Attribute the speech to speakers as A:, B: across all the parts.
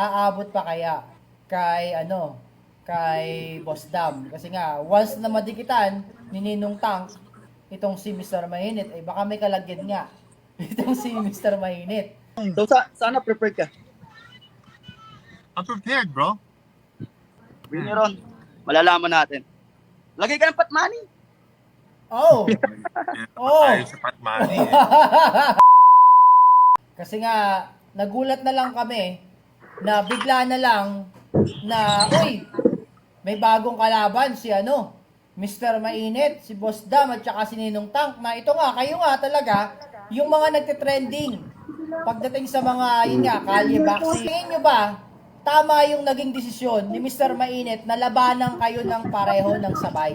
A: aabot pa kaya kay kay Boss Dam? Kasi nga once na madikitan ni Ninong Tank itong si Mr. Mainit, eh baka may kalagyan nga itong si Mr. Mainit.
B: So, sana prepared ka.
C: I'm prepared, bro.
B: Bring it on. Malalaman natin. Lagay ka ng patmani.
A: Oh. Oh.
C: Tayo sa Patmani.
A: Kasi nga nagulat na lang kami na bigla na lang na uy, may bagong kalaban si Mr. Mainit, si Boss Dam at saka si Ninong Tank na ito nga, kayo nga talaga yung mga nagte-trending pagdating sa mga yun nga, kalye boxing. Tingin nyo ba tama yung naging desisyon ni Mr. Mainit na labanan kayo ng pareho ng sabay?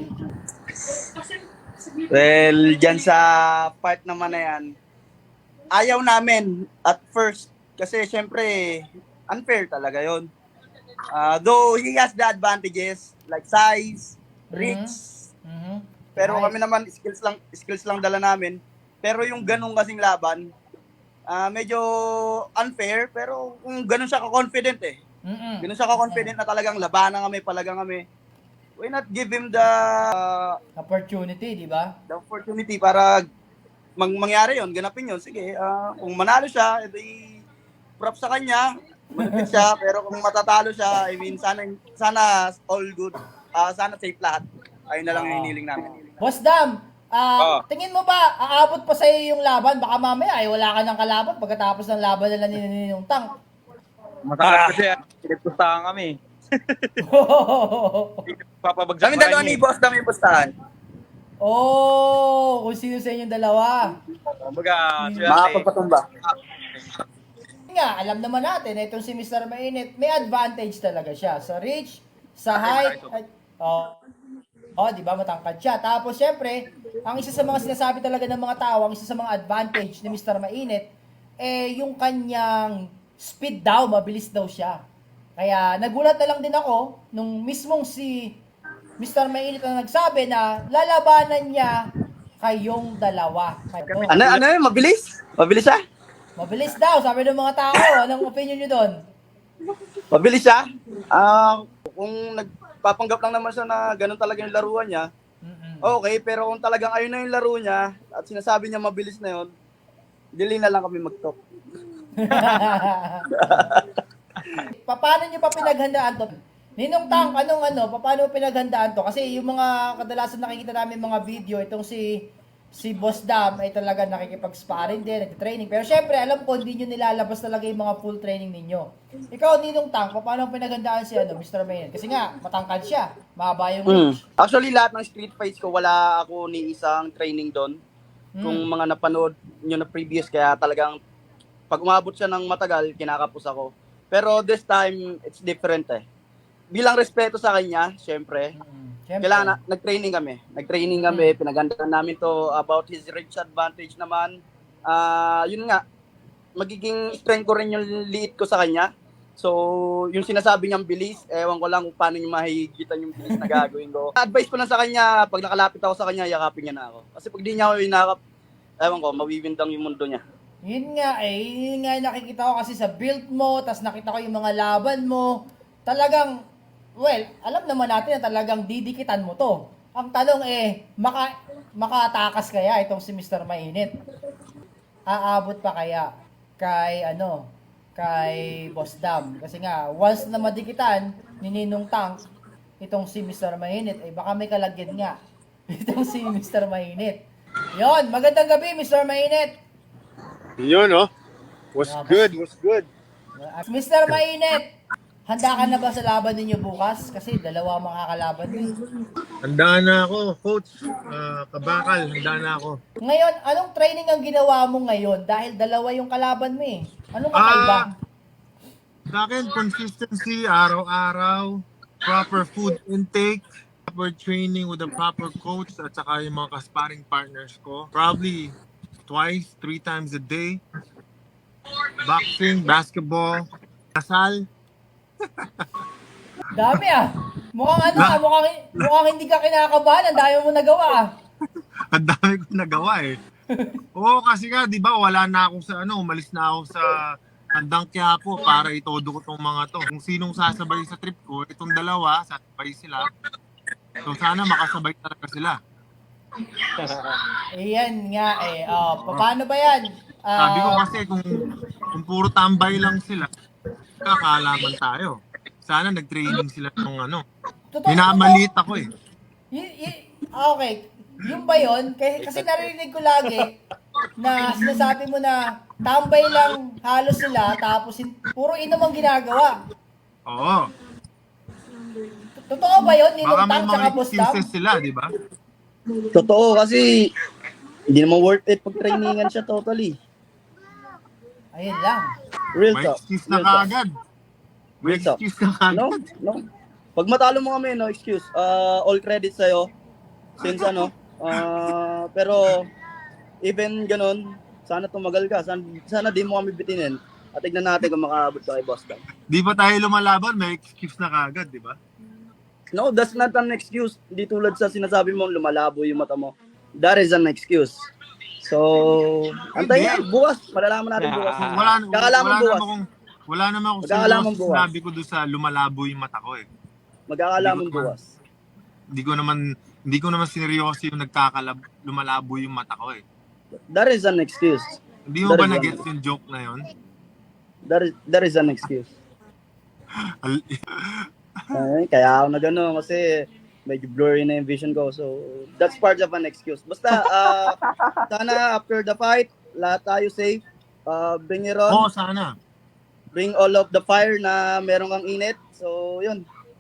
B: Well, dyan sa part naman na yan, ayaw namin at first kasi syempre unfair talaga yon. Though he has the advantages like size, reach, pero kami naman skills lang dala namin. Pero yung ganung kasing laban, medyo unfair pero kung ganun siya ka-confident ganun siya ka-confident na talagang labanan kami, palagang kami. Why not give him the
A: opportunity, di ba?
B: The opportunity para mangyari yon, ganapin yon. Sige, kung manalo siya, edi props sa kanya, malapit siya, pero kung matatalo siya, I mean, sana all good, sana safe lahat. Ayun na lang yung hiniling namin.
A: Boss Dam, tingin mo ba aabot pa sa iyo yung laban? Baka mamaya ay wala ka ng kalaban pagkatapos ng laban nila ni Ninong Tank.
D: Matagal kasi pinagpustahan kami. Papabagsak
B: Kami dalawa ni Boss Dam yung pustahan.
A: Oh, kung sino sa inyong dalawa.
D: Kumbaga,
B: Makapagpatumba.
A: Nga, alam naman natin na itong si Mr. Mainit, may advantage talaga siya sa reach, sa height, di ba, matangkad siya. Tapos, syempre, ang isa sa mga sinasabi talaga ng mga tao, ang isa sa mga advantage ni Mr. Mainit, yung kanyang speed daw, mabilis daw siya. Kaya, nagulat na lang din ako, nung mismong si Mr. Mainit na nagsabi na lalabanan niya kayong dalawa.
B: Ano yun? Mabilis? Mabilis siya?
A: Mabilis daw, sabi ng mga tao. Anong opinion nyo doon?
B: Mabilis siya? Kung nagpapanggap lang naman siya na ganun talaga yung laruan niya, okay, pero kung talagang ayun na yung laro niya at sinasabi niya mabilis na yun, dili na lang kami mag-talk.
A: Paano nyo pa pinaghandaan to? Ninong Tank, paano pinaghandaan to? Kasi yung mga kadalasan nakikita namin mga video, itong si Boss Dam ay talaga nakikipag-sparring din, nag-training. Pero syempre, alam ko, hindi nyo nilalabas talaga yung mga full training ninyo. Ikaw, Ninong Tank, paano pinaghandaan si Mr. Mayan? Kasi nga, matangkad siya, mahaba yung reach.
B: Actually, lahat ng street fights ko, wala ako ni isang training doon. Kung mga napanood nyo na previous, kaya talagang pag umabot siya ng matagal, kinakapos ako. Pero this time, it's different Bilang respeto sa kanya, syempre, kailangan nag-training kami. Pinagandaan namin to about his reach advantage naman. Yun nga, magiging strength ko rin yung liit ko sa kanya. So, yung sinasabi niyang bilis, ewan ko lang kung paano niya mahigitan yung bilis na gagawin ko. Advice ko lang sa kanya, pag nakalapit ako sa kanya, yakapin niya na ako. Kasi pag di niya ako inakap, ewan ko, mawiwindang yung mundo niya.
A: Yun nga yung nakikita ko kasi sa build mo, tas nakita ko yung mga laban mo. Talagang, well, alam naman natin na talagang didikitan mo to. Ang tanong makatakas kaya itong si Mr. Mainit? Aabot pa kaya kay kay Boss Dam? Kasi nga, once na madikitan ni Ninong Tank itong si Mr. Mainit, eh baka may kalagyan nga itong si Mr. Mainit. Yon, magandang gabi Mr. Mainit.
C: Yun, Was good.
A: Mr. Mainit, handa ka na ba sa laban ninyo bukas? Kasi dalawa makakalaban din.
C: Handa na ako, coach. Kabakal, handa na ako.
A: Ngayon, anong training ang ginawa mo ngayon? Dahil dalawa yung kalaban mo Anong kakaiba?
C: Sa akin, consistency, araw-araw, proper food intake, proper training with a proper coach, at saka yung mga ka-sparring partners ko. Probably twice, 3 times a day. Boxing, basketball, kasal.
A: Dami mukhang hindi ka kinakabahan. Ang dami mo nagawa
C: Ang dami ko nagawa Oo, kasi nga, di ba, wala na ako sa umalis na ako sa Handang Quiapo para itodo ko tong mga to. Kung sinong sasabay sa trip ko, itong dalawa, sasabay sila. So sana makasabay talaga sila.
A: Ayan nga eh. Paano ba yan?
C: Sabi ko kasi kung puro tambay lang sila, kakalaman tayo. Sana nag-training sila ng ano. Minamaliit ako eh.
A: Okay. Yung ba yun? Kasi narinig ko lagi na sinasabi mo na tambay lang halos sila tapos puro inom ang ginagawa.
C: Oo.
A: Totoo ba yun?
C: Baka may
A: Inutang tsaka
C: mga
A: postang?
C: excuses sila, di ba?
B: Totoo kasi hindi naman worth it pag trainingan siya totally.
A: Ayun lang.
B: Real
C: May
B: talk.
C: excuse na
B: Real talk.
C: kaagad. May
B: Real talk.
C: excuse na
B: No?
C: kaagad.
B: No? Pag matalo mo kami, no excuse. All credit sa'yo. Since pero even ganun, sana tumagal ka. Sana di mo kami bitinin. At tignan natin kung makaabot ka kay Boston.
C: Di ba tayo lumalaban, may excuse na kaagad, di ba?
B: No, that's not an excuse. Hindi tulad sa sinasabi mo, lumalabo yung mata mo. That is an excuse. So, antayin
C: Hindi.
B: bukas. Malalaman natin bukas. Kakalaman bukas.
C: Wala naman akong
B: Magkakalaman
C: seryoso
B: bukas.
C: sinabi ko doon sa lumalabo yung mata ko eh.
B: Magkakalaman
C: Hindi ko
B: bukas.
C: Hindi ko naman sineryoso yung lumalabo yung mata ko eh.
B: That is an excuse.
C: Hindi mo
B: That
C: ba
B: is
C: na-gets yung joke na yun?
B: That is an excuse. Kaya ako na gano'n kasi medyo blurry na yung vision ko. So, that's part of an excuse. Basta, sana after the fight, lahat tayo safe. Bring it
C: Oo,
B: on.
C: sana.
B: Bring all of the fire na meron kang init. So, yun.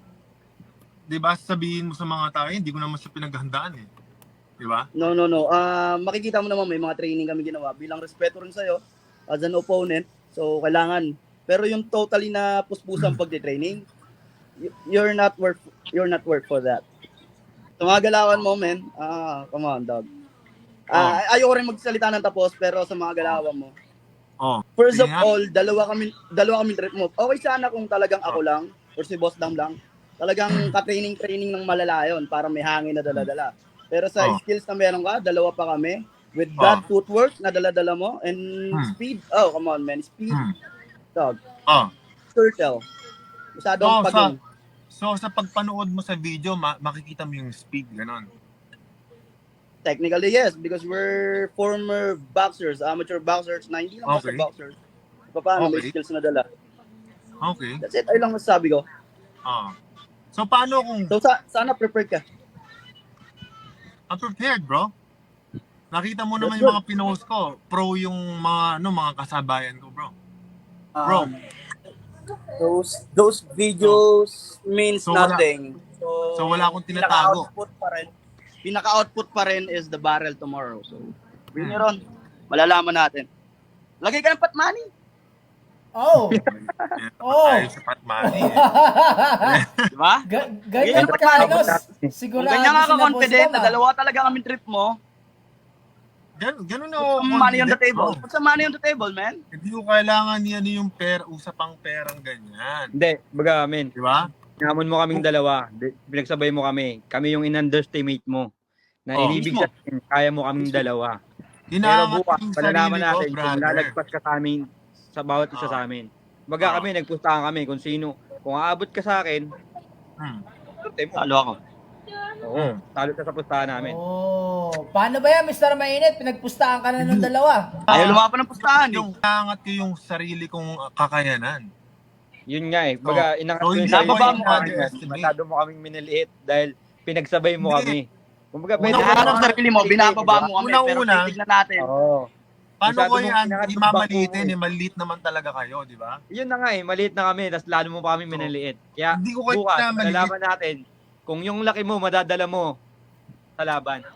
C: Di ba sabihin mo sa mga tao, hindi ko naman siya pinaghandaan eh. Di ba?
B: No. Makikita mo naman may mga training kami ginawa. Bilang respeto rin sa'yo as an opponent. So, kailangan. Pero yung totally na puspusang pagde-training, you're not worth for that. So, mga galawan mo, men. Come on, dog. Ayoko rin magsalita ng tapos, pero sa mga galawan mo.
C: Oh.
B: First of
C: Sige nga.
B: all, dalawa kami trip mo. Okay sana kung talagang ako lang or si Boss Dam lang. Talagang ka-training ng malala yun para may hangin na dala-dala. Pero sa skills na meron ka, dalawa pa kami. With that footwork na dala-dala mo and speed. Oh, come on, man. Speed. Dog. Turtle. Masyadong pagong.
C: So sa pagpanood mo sa video, makikita mo yung speed, ganon.
B: Technically, yes. Because we're former boxers, amateur boxers, na hindi lang basta boxers. Paano may skills na dala.
C: Okay.
B: That's it. Ayun lang masasabi ko.
C: So paano kung...
B: So, sana prepared ka.
C: I'm prepared, bro. Nakita mo naman yung mga pinost ko. Pro yung mga kasabayan ko, bro. Bro.
B: Those videos means
C: So,
B: nothing.
C: So wala akong tinatago.
B: Pinaka-output pa rin is the barrel tomorrow. So, bring it on. Malalaman natin. Lagay ka ng patmani.
A: Oh.
C: Tayo sa Patmani eh.
B: Di ba?
A: Ganyan
B: Ganyan
A: ka, ano,
B: Kung
A: sigurado
B: ganyan ka
A: sila
B: confident
A: Boss
B: na
A: Dam,
B: dalawa talaga kami trip mo,
C: Ganun
B: put
C: ako.
B: some money on the table.
C: bro.
B: Put some money on the table, man.
C: Hindi ko kailangan yan yung usapang perang ganyan.
D: Hindi, baga, men.
C: Di ba?
D: Namon mo kaming dalawa. Pinagsabay mo kami. Kami yung in-underestimate mo. Na inibig
B: Mismo.
D: sabihin, kaya mo kaming dalawa. Pero
C: Hinahangat
D: bukas,
C: yung
D: palalaman
C: sarili ko,
D: natin kung
C: brother.
D: lalagpas ka sa amin, sa bawat isa sa amin. Baga kami, nagpustahan kami kung sino. Kung aabot ka sa akin,
B: Talo ako.
D: oo, talo ka sa pustahan namin.
A: Oh, paano ba yan, Mr. Mainit? Pinagpustahan ka na ng dalawa.
B: Ayaw lumapan ng pustahan eh.
C: Yung hinahangat ko yung sarili kong kakayanan.
D: Yun nga eh. Baga, inangat ko yung
C: hindi
D: sarili
B: ako
D: mo
C: underestimate.
D: masyado mo kaming miniliit dahil pinagsabay mo kami. Kumbaga, pwede
B: Hinahanap ang sarili mo, binababa mo kami, pero
C: Unang-una,
B: titignan natin.
D: Oo.
C: Paano
D: Masyado
C: ko
D: mong
C: yan
D: hinahangat yung
C: imamalitin?
D: bangko mo
C: Maliit naman talaga kayo, di ba?
D: Yun na nga eh, maliit na kami, tapos lalo mo pa kami miniliit. Kaya
C: Hindi ko kayo
D: bukas,
C: na maliit.
D: malalaman natin kung yung laki mo, madadala mo sa laban.